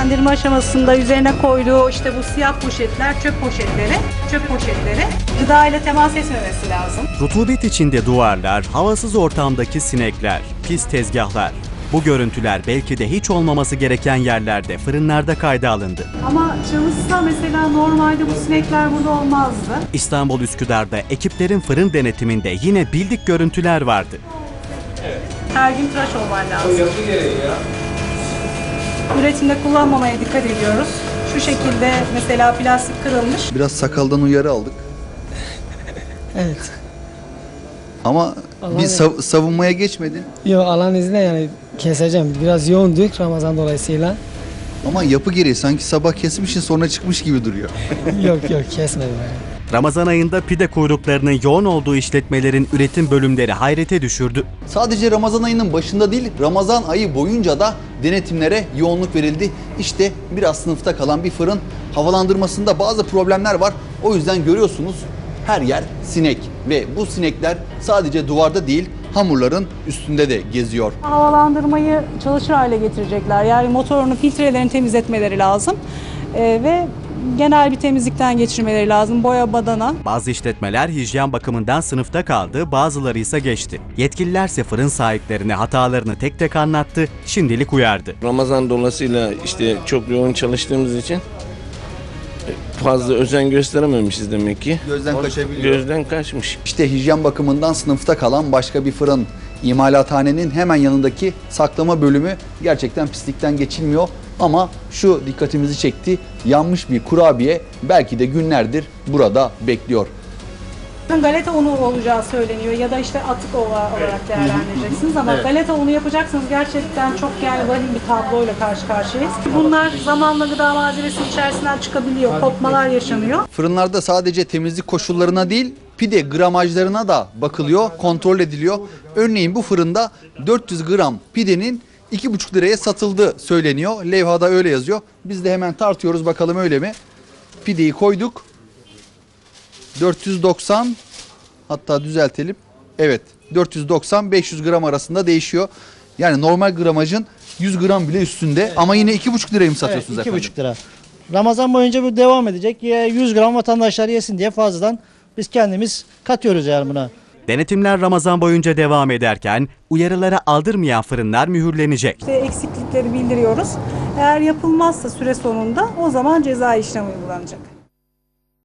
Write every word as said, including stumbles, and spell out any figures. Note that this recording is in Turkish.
Dinlendirme aşamasında üzerine koyduğu işte bu siyah poşetler, çöp poşetleri, çöp poşetleri gıda ile temas etmemesi lazım. Rutubet içinde duvarlar, havasız ortamdaki sinekler, pis tezgahlar. Bu görüntüler belki de hiç olmaması gereken yerlerde, fırınlarda kayda alındı. Ama çalışsa mesela normalde bu sinekler burada olmazdı. İstanbul Üsküdar'da ekiplerin fırın denetiminde yine bildik görüntüler vardı. Her gün tıraş olman lazım. Üretimde kullanmamaya dikkat ediyoruz. Şu şekilde mesela plastik kırılmış. Biraz sakaldan uyarı aldık. Evet. Ama Allah bir sav- savunmaya geçmedin. Yok Allah'ın izniyle yani keseceğim. Biraz yoğunduk Ramazan dolayısıyla. Ama yapı gereği sanki sabah kesmişsin sonra çıkmış gibi duruyor. yok yok kesmedim yani. Ramazan ayında pide kuyruklarının yoğun olduğu işletmelerin üretim bölümleri hayrete düşürdü. Sadece Ramazan ayının başında değil, Ramazan ayı boyunca da denetimlere yoğunluk verildi. İşte biraz sınıfta kalan bir fırın, havalandırmasında bazı problemler var. O yüzden görüyorsunuz her yer sinek ve bu sinekler sadece duvarda değil, hamurların üstünde de geziyor. Havalandırmayı çalışır hale getirecekler. Yani motorunu, filtrelerini temizletmeleri lazım. Ee, ve genel bir temizlikten geçirmeleri lazım. Boya, badana. Bazı işletmeler hijyen bakımından sınıfta kaldı, bazıları ise geçti. Yetkililerse fırın sahiplerine hatalarını tek tek anlattı, şimdilik uyardı. Ramazan dolayısıyla işte çok yoğun çalıştığımız için fazla özen gösterememişiz demek ki. Gözden kaçabiliyor. Gözden kaçmış. İşte hijyen bakımından sınıfta kalan başka bir fırın. İmalathanenin hemen yanındaki saklama bölümü gerçekten pislikten geçilmiyor. Ama şu dikkatimizi çekti. Yanmış bir kurabiye belki de günlerdir burada bekliyor. Galeta unu olacağı söyleniyor ya da işte atık olarak değerlendireceksiniz ama galeta unu yapacaksınız gerçekten çok yani vahim bir tabloyla karşı karşıyayız. Bunlar zamanla gıda malzemesi içerisinden çıkabiliyor, kopmalar yaşanıyor. Fırınlarda sadece temizlik koşullarına değil, pide gramajlarına da bakılıyor, kontrol ediliyor. Örneğin bu fırında dört yüz gram pidenin iki buçuk liraya satıldığı söyleniyor. Levhada öyle yazıyor. Biz de hemen tartıyoruz bakalım öyle mi? Pideyi koyduk. dört yüz doksan, hatta düzeltelim. Evet, dört yüz doksan beş yüz gram arasında değişiyor. Yani normal gramajın yüz gram bile üstünde, evet. Ama yine iki buçuk liraya mı satıyorsunuz evet, efendim? iki buçuk lira. Ramazan boyunca bu devam edecek. yüz gram vatandaşlar yesin diye fazladan biz kendimiz katıyoruz yani buna. Denetimler Ramazan boyunca devam ederken uyarılara aldırmayan fırınlar mühürlenecek. İşte eksiklikleri bildiriyoruz. Eğer yapılmazsa süre sonunda o zaman ceza işlemi uygulanacak.